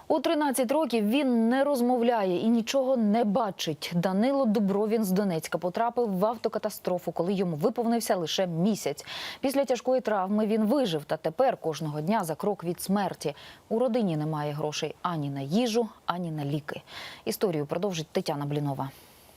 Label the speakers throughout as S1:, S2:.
S1: У 13 років він не розмовляє і нічого не бачить. Данило Дубровін з Донецька потрапив в автокатастрофу, коли йому виповнився лише місяць. Після тяжкої травми він вижив, та тепер кожного дня за крок від смерті. У родині немає грошей ані на їжу, ані на ліки. Історію продовжить Тетяна Блінова.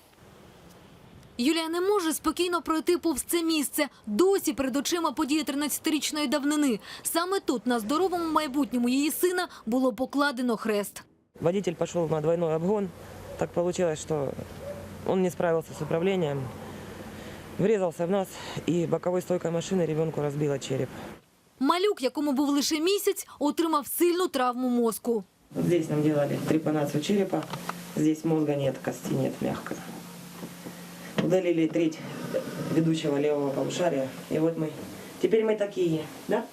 S2: Юлія не може спокійно пройти повз це місце. Досі перед очима події 13-річної давнини. Саме тут, на здоровому майбутньому її сина, було покладено хрест.
S3: Водитель пошел на двойной обгон. Так получилось, что он не справился с управлением, врезался в нас, и боковой стойкой машины ребенку разбило череп.
S2: Малюк, якому був лише місяць, отримав сильну травму мозку.
S3: Вот здесь нам делали трепанацию черепа, здесь мозга нет, кости нет, мягко. Удалили треть ведущего левого полушария, и вот мы. Теперь мы такие, да?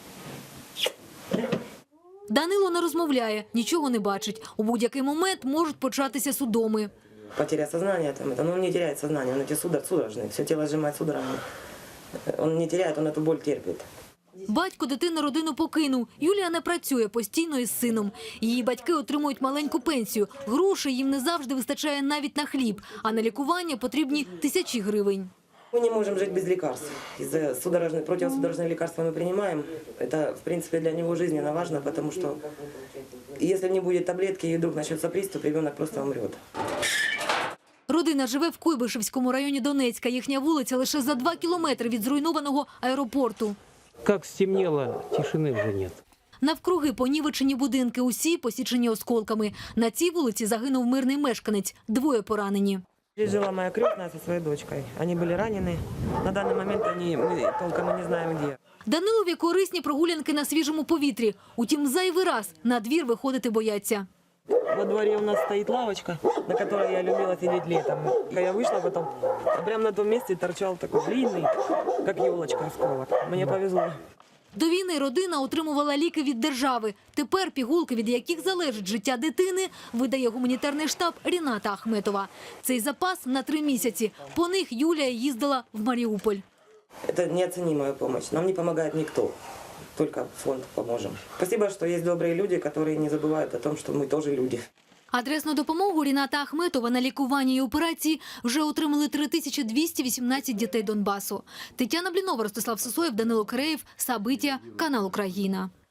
S2: Данило не розмовляє, нічого не бачить. У будь-який момент можуть початися судоми.
S3: Потеря сознания, но он не теряет сознание, он эти судорожные, все тело сжимает судорогами. Он не теряет, он эту боль терпит.
S2: Батько дитини родину покинув. Юлія не працює постійно із сином. Її батьки отримують маленьку пенсію. Грошей їм не завжди вистачає навіть на хліб, а на лікування потрібні тисячі гривень.
S3: Мы не можем жить без лекарств. Из-за противосудорожные лекарства мы принимаем. Это, в принципе, для него жизненно важно, потому что если не будет таблетки и вдруг начнется приступ, ребенок просто умрет.
S2: Родина живе в Куйбишевському районі Донецька. Їхня вулиця лише за 2 кілометри від зруйнованого аеропорту.
S4: Как стемнело, тишины уже нет.
S2: Навкруги понівечені будинки, усі посічені осколками. На цій вулиці загинув мирний мешканець, 2 поранені.
S3: Здесь жила моя крестная со своей дочкой. Они были ранены. На данный момент мы толком и не знаем, где.
S2: Данилові корисні прогулянки на свіжому повітрі. Утім, зайвий раз на двір виходити бояться.
S3: Во дворе у нас стоит лавочка, на которой я любила сидеть летом. Я вышла потом, а прямо на том месте торчал такой длинный, как елочка, осколок. Мне повезло.
S2: До війни родина отримувала ліки від держави. Тепер пігулки, від яких залежить життя дитини, видає гуманітарний штаб Ріната Ахметова. Цей запас на 3 місяці. По них Юлія їздила в Маріуполь.
S3: Это неоценимая помощь. Нам не помогает никто. Только фонд поможем. Спасибо, что есть добрые люди, которые не забывают о том, что мы тоже люди.
S2: Адресну допомогу Ріната Ахметова на лікування і операції вже отримали 3218 дітей Донбасу. Тетяна Блінова, Ростислав Сисоєв, Данило Киреєв, Сабиття, канал Україна.